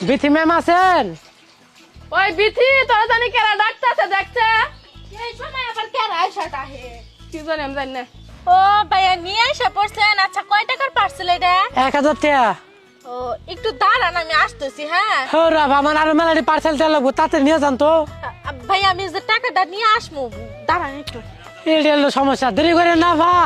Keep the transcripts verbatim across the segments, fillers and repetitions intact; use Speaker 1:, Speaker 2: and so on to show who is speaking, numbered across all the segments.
Speaker 1: Bithi ma'am আছেন?
Speaker 2: ওই বিথি তোরা জানি কেরা ডাকতেছে দেখছে
Speaker 3: এই সময় আবার কেরা আইসাটা হে
Speaker 2: কি জানি আমি জানি না।
Speaker 3: ও ভাইয়া নিয়ে এসে পড়ছেন। আচ্ছা কয় টাকার পার্সেল এটা?
Speaker 1: এক হাজার টাকা।
Speaker 3: ও একটু দাঁড়ান আমি আসতেছি। হ্যাঁ
Speaker 1: হ্যাঁ আমার আরো মেলাটি পার্সেল দেওয়া লাগবো, তাতে নিয়ে যান তো।
Speaker 3: ভাই আমি যে টাকাটা নিয়ে আসবো, দাঁড়ান একটু।
Speaker 1: এটা হলো সমস্যা, দেরি করে না ভা।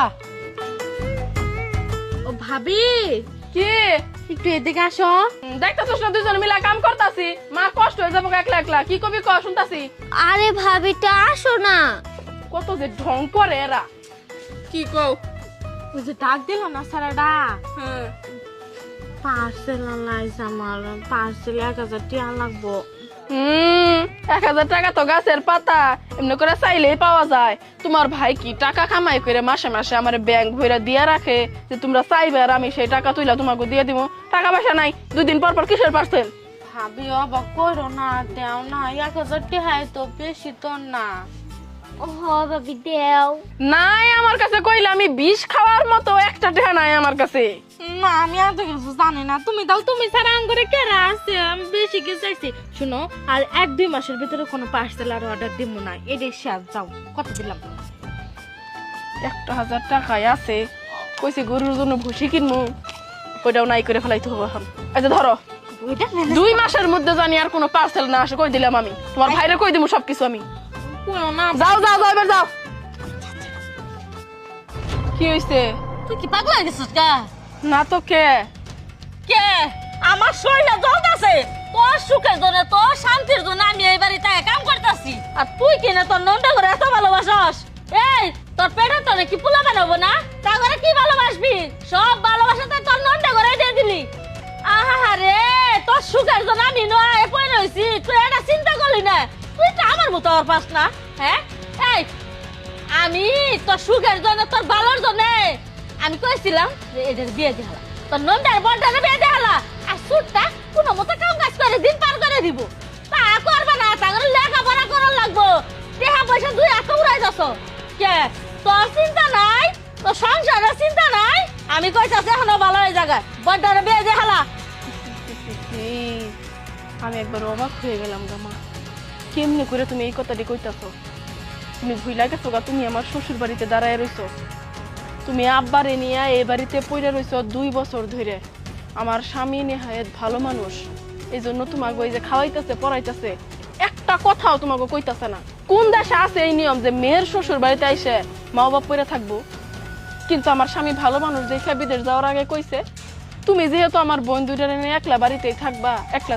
Speaker 3: ও ভাবি
Speaker 2: কি
Speaker 3: একটু এদিকে আসো।
Speaker 2: দেখতেছিস না দুজন মিলা কাম করতাছি, মা কষ্ট হয়ে যাবো একলা একলা। কি কবি ক শুনতাছি।
Speaker 3: আরে ভাবিটা আসো না।
Speaker 2: কত যে ঢং করে এরা। কি কও?
Speaker 3: ওই যে ডাক দিল না সারাটা,
Speaker 2: হ্যাঁ
Speaker 3: পার্সেল আনলাইছে আমার। পার্সেল এক হাজার টাকা লাগবো।
Speaker 2: হুম এক হাজার টাকা তো গাছের পাতা, এমনি করে চাইলেই পাওয়া যায়। তোমার ভাই কি টাকা কামাই করে মাসে মাসে আমার ব্যাংক ভরে দিয়ে রাখে যে তোমরা চাইবে আর আমি সেই টাকা তুইলা তোমাকে দিয়ে দিব? টাকা পয়সা নাই, দুই দিন পর পর কিসের পার্সেল?
Speaker 3: ভাবি অবাক করো না, দেও না। এক হাজার টাকা তো বেশি তো না। ও ভাবি দেও
Speaker 2: নাই আমার কাছে, কইলে আমি বিষ খাওয়ার মতো একটা টাকা নাই আমার কাছে।
Speaker 3: না। আমি এত কিছু জানি না, তুমি দাও। তুমি ছাড়া আঙ্গুরে কেরা আছে? আমি বেশি কিছু চাইছি। শুনো, আর এক দুই মাসের ভিতরে কোনো পার্সেল আর অর্ডার দিব না। এটাই শেষ। যাও, কত দিলাম?
Speaker 2: একটা হাজার টাকায় আছে, কইছি গরুর জন্য ভুসি কিনবো, ওইটাও নাই করে ফেলাইতে হবে এখন। আচ্ছা ধরো,
Speaker 3: ওইটা
Speaker 2: দুই মাসের মধ্যে জানি আর কোনো পার্সেল না আসে, কই দিলাম আমি। তোমার ভাইরে কই দিব সবকিছু আমি।
Speaker 3: কোনো না।
Speaker 2: যাও যাও যাও এবার যাও। কি হইছে?
Speaker 3: তুই কি পাগল হয়ে গেছিস কা?
Speaker 2: না তো কে
Speaker 3: কে? আমার শরীরে জ্বর আছে। তোর সুখের জন্য, তোর শান্তির জন্য আমি এই বাড়িতে কাম করতেছি। আর তুই কিনা তোর নন্টা করে এত ভালোবাসস? এই তোর পেটে তো নাকি পোলা বানাবো না? তা করে কি ভালোবাসবি? সব ভালোবাসাতে তোর নন্টা করে দিয়ে দিলি। আহা রে, তোর সুখের জন্য আমি নয় পড়ে রইছি। তুই এটা চিন্তা করলি না? তুই তো আমার মতো আর পাস না। হ্যাঁ এই আমি তোর সুখের জন্য, তোর ভালোর জন্য আমি কইছিলাম যে এদের বিয়ে দিয়ে হালা, তোর নন্দার বড়টারে বিয়ে দিয়ে হালা। আর সুটটা কোনো মতো কাম কাজ করে দিন পার করে দিব। তা করবে না, তাহলে লেখাপড়া করার লাগবো। টাকা পয়সা দুই এত উড়াই যাচ্ছ কে? তোর চিন্তা নাই, তোর সংসারের চিন্তা নাই। আমি কইতাছি এখনো ভালো হয়ে জায়গায় বড়টারে বিয়ে দিয়ে হালা।
Speaker 2: আমি একবার অবাক হয়ে গেলাম গা মা। কেমনি করে তুমি এই কথাটি কইতাছো? তুমি ভুইলা গেছো গা, তুমি আমার শ্বশুর বাড়িতে দাঁড়ায় রইছো। তুমি আব্বারে নিয়ে এই বাড়িতে পইরা রইছো দুই বছর ধরে। আমার স্বামী নেহায়েত ভালো মানুষ, এই জন্য তোমাকে ওই যে খাওয়াইতেছে পড়াইতেছে, একটা কথাও তোমাকে কইতাছে না। কোন দেশে আছে এই নিয়ম যে মেয়ের শ্বশুর বাড়িতে আইসে মা বাবা পইরা থাকবো? কিন্তু আমার স্বামী ভালো মানুষ দেখে বিদেশ যাওয়ার আগে কইছে তুমি যেহেতু আমার বোন দুইটারে নিয়ে একলা বাড়িতেই থাকবা, একলা